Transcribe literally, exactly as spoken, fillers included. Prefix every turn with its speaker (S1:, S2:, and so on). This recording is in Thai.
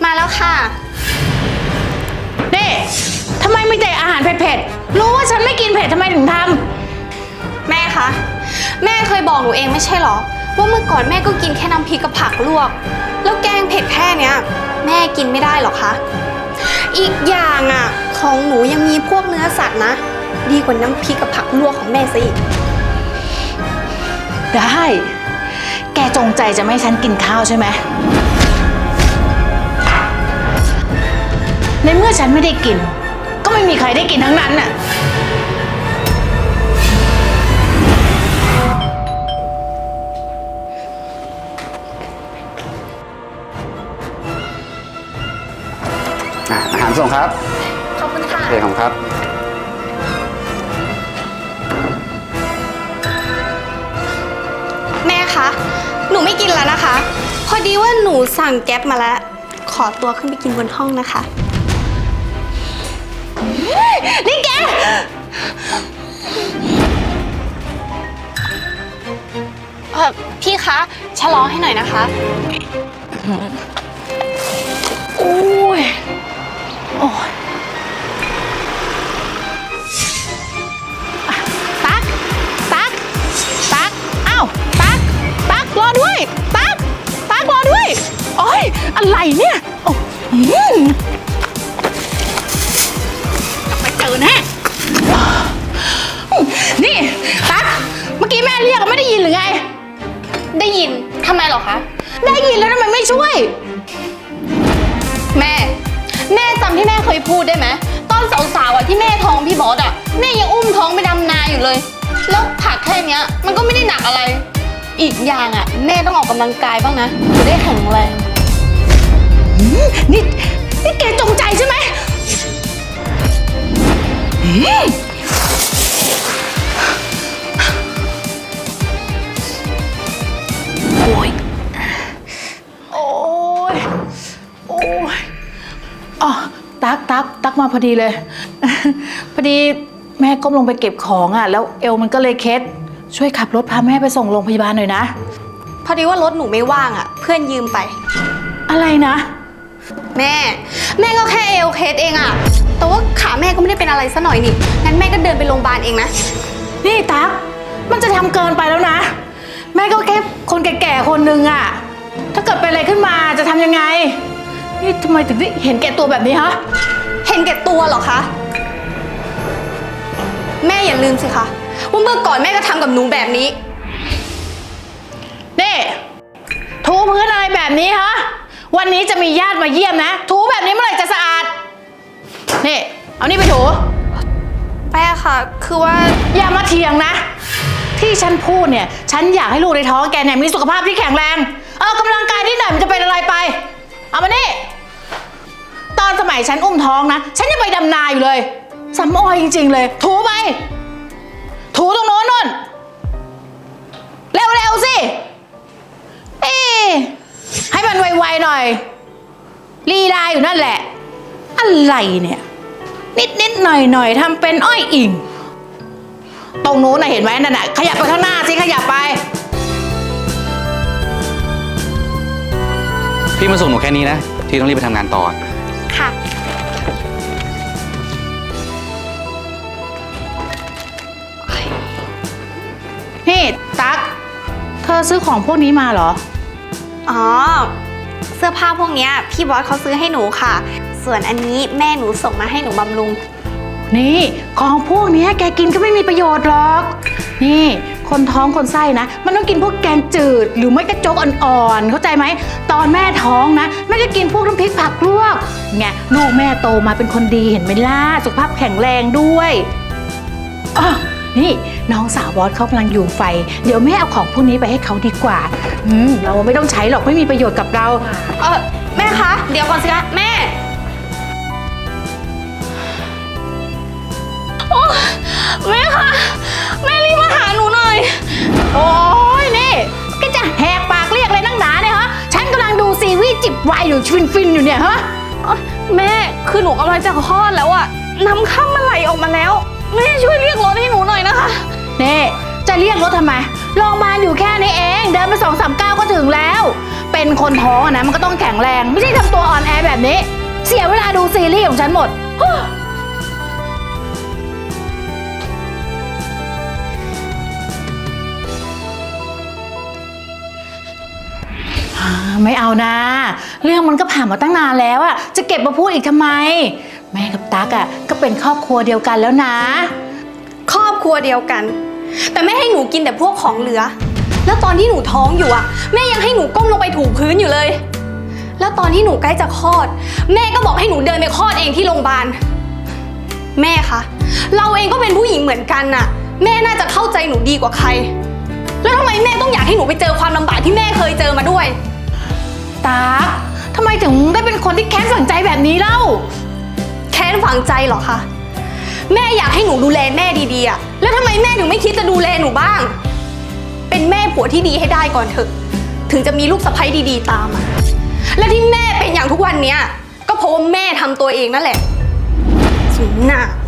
S1: มาแล้วค่ะ
S2: นี่ทำไมไม่แต่อาหารเผ็ดๆรู้ว่าฉันไม่กินเผ็ดทำไมถึงทำ
S1: แม่คะแม่เคยบอกหนูเองไม่ใช่หรอว่าเมื่อก่อนแม่ก็กินแค่น้ำพริกกับผักลวกแล้วแกงเผ็ดแค่เนี้ยแม่กินไม่ได้หรอคะอีกอย่างอ่ะของหนูยังมีพวกเนื้อสัตว์นะดีกว่าน้ำพริกกับผักลวกของแม่ซะอีก
S2: ได้แกจงใจจะไม่ให้ฉันกินข้าวใช่ไหมในเมื่อฉันไม่ได้กินก็ไม่มีใครได้กินทั้งนั้นน่ะ
S3: อาหารส่งครับ
S1: ขอบคุณค่ะ
S3: โอเคของครับ
S1: แม่คะหนูไม่กินแล้วนะคะพอดีว่าหนูสั่งแก๊ปมาแล้วขอตัวขึ้นไปกินบนห้องนะคะ
S2: นี่แก
S1: เออพี่คะชะลอให้หน่อยนะคะ
S2: โอ้ยโอ้ยตักตักตักอ้าวตักตักรอด้วยตักตักรอด้วยโอ้ยอะไรเนี่ยโอ้ยกลับไปเจอแน่นี่ตักเมื่อกี้แม่เรียกไม่ได้ยินหรือไง
S1: ได้ยินทำไมหรอคะ
S2: ได้ยินแล้วทำไมไม่ช่วย
S1: แม่แม่จำที่แม่เคยพูดได้ไหมตอนสาวๆอ่ะที่แม่ท้องพี่บอสอ่ะแม่ยังอุ้มท้องไปดำนาอยู่เลยแล้วผักแค่เนี้ยมันก็ไม่ได้หนักอะไรอีกอย่างอ่ะแม่ต้องออกกำลังกายบ้างนะจะได้แข็งแรง
S2: นี่นี่แกจงใจใช่ไหมโอ้ยโอ้ยโอ้ยอ๋อตักตักตักมาพอดีเลยพอดีแม่ก้มลงไปเก็บของอ่ะแล้วเอวมันก็เลยเคล็ดช่วยขับรถพาแม่ไปส่งโรงพยาบาลหน่อยนะ
S1: พอดีว่ารถหนูไม่ว่างอ่ะเพื่อนยืมไป
S2: อะไรนะ
S1: แม่แม่ก็แค่เอวเคสเองอ่ะแต่ว่าขาแม่ก็ไม่ได้เป็นอะไรซะหน่อยนี่งั้นแม่ก็เดินไปโรงพยาบาลเองนะ
S2: นี่ตั๊กมันจะทำเกินไปแล้วนะแม่ก็แค่คนแก่ๆคนนึงอ่ะถ้าเกิดเป็นอะไรขึ้นมาจะทำยังไงนี่ทำไมถึงได้เห็นแก่ตัวแบบนี้ฮะ
S1: เห็นแก่ตัวเหรอคะแม่อย่าลืมสิคะว่าเมื่อก่อนแม่ก็ทำกับหนูแบบนี้
S2: นี่ถูพื้นอะไรแบบนี้ฮะวันนี้จะมีญาติมาเยี่ยมนะถูแบบนี้เมื่อไหร่จะสะอาดนี่เอานี่ไปถู
S1: แม่ค่ะคือว่า
S2: อย่ามาเถียงนะที่ฉันพูดเนี่ยฉันอยากให้ลูกในท้องแกเนี่ยมีสุขภาพที่แข็งแรงเออกำลังกายนิดหน่อยมันจะเป็นอะไรไปเอามานี่ตอนสมัยฉันอุ้มท้องนะฉันยังไปดำนาอยู่เลยสำออยจริงๆเลยถูไปถูตรงโน้นนู่นเร็วๆสิเอ๊ให้มันไวๆหน่อยลีลาอยู่นั่นแหละอะไรเนี่ยนิดๆหน่อยๆทำเป็นอ้อยอิ่งตรงนู้นน่ะเห็นไหมนั่นน่ะขยับไปข้างหน้าสิขยับไป
S3: พี่มาส่งหนูแค่นี้นะที่ต้องรีบไปทำงานต่อ
S1: ค่ะ
S2: นี่ตั๊กเธอซื้อของพวกนี้มาเหรอ
S1: อ๋อเสื้อผ้าพวกนี้พี่บอสเขาซื้อให้หนูค่ะส่วนอันนี้แม่หนูส่งมาให้หนูบำรุง
S2: นี่ของพวกนี้แกกินก็ไม่มีประโยชน์หรอกนี่คนท้องคนไส้นะมันต้องกินพวกแกงจืดหรือไม่ก็โจ๊กอ่อนๆเข้าใจไหมตอนแม่ท้องนะแม่จะกินพวกน้ำพริกผักลวกไงลูกแม่โตมาเป็นคนดีเห็นไหมล่ะสุขภาพแข็งแรงด้วยอ๋อนี่น้องสาวบอสเขากำลังอยู่ไฟเดี๋ยวแม่เอาของพวกนี้ไปให้เขาดีกว่าอืมเราไม่ต้องใช้หรอกไม่มีประโยชน์กับเรา
S1: เออแม่คะเดี๋ยวก่อนสิคะแม่โอ้แม่คะแม่รีบมาหาหนูหน่อย
S2: โอ้ยนี่ก็จะแหกปากเรียกเลยนั่งหนาเนี่ยฮะฉันกำลังดูซีรีส์จิบไวน์อยู่ฟินฟินอยู่เนี่ยฮะ
S1: แม่คือหนูกำลังจะคลอดแล้วอะน้ำค่ำมันไหลออกมาแล้วแม่ช่วยเรียกรถให้หนูหน่อยนะคะ
S2: นี่จะเรียกรถทำไมโรงพยาบาลอยู่แค่นี้เองเดินไปสองสามก้าวก็ถึงแล้วเป็นคนท้องอะนะมันก็ต้องแข็งแรงไม่ใช่ทำตัวอ่อนแอแบบแบบนี้ เสียเวลาดูซีรีส์ของฉันหมด ไม่เอานะ เรื่องมันก็ผ่านมาตั้งนานแล้วอะจะเก็บมาพูดอีกทำไม แม่กับตั๊กอะก็เป็นครอบครัวเดียวกันแล้วนะ
S1: ครอบครัวเดียวกัน แต่แม่ให้หนูกินแต่พวกของเหลือ แล้วตอนที่หนูท้องอยู่อะแม่ยังให้หนูก้มลงไปถูพื้นอยู่เลย แล้วตอนที่หนูใกล้จะคลอด แม่ก็บอกให้หนูเดินไปคลอดเองที่โรงพยาบาลแม่คะเราเองก็เป็นผู้หญิงเหมือนกันน่ะ แม่น่าจะเข้าใจหนูดีกว่าใคร แล้วทำไมแม่ต้องอยากให้หนูไปเจอความลำบากที่แม่เคยเจอมาด้วย
S2: ตั๊กทำไมถึงได้เป็นคนที่แค้นฝังใจแบบนี้เล่า
S1: แค้นฝังใจเหรอคะแม่อยากให้หนูดูแลแม่ดีๆอะแล้วทำไมแม่ถึงไม่คิดจะดูแลหนูบ้าง เป็นแม่ผัวที่ดีให้ได้ก่อนเถอะ ถึงจะมีลูกสะใภ้ดีๆตามมาและที่แม่เป็นอย่างทุกวันเนี้ยก็เพราะว่าแม่ทำตัวเองนั่นแหละสุนหน้า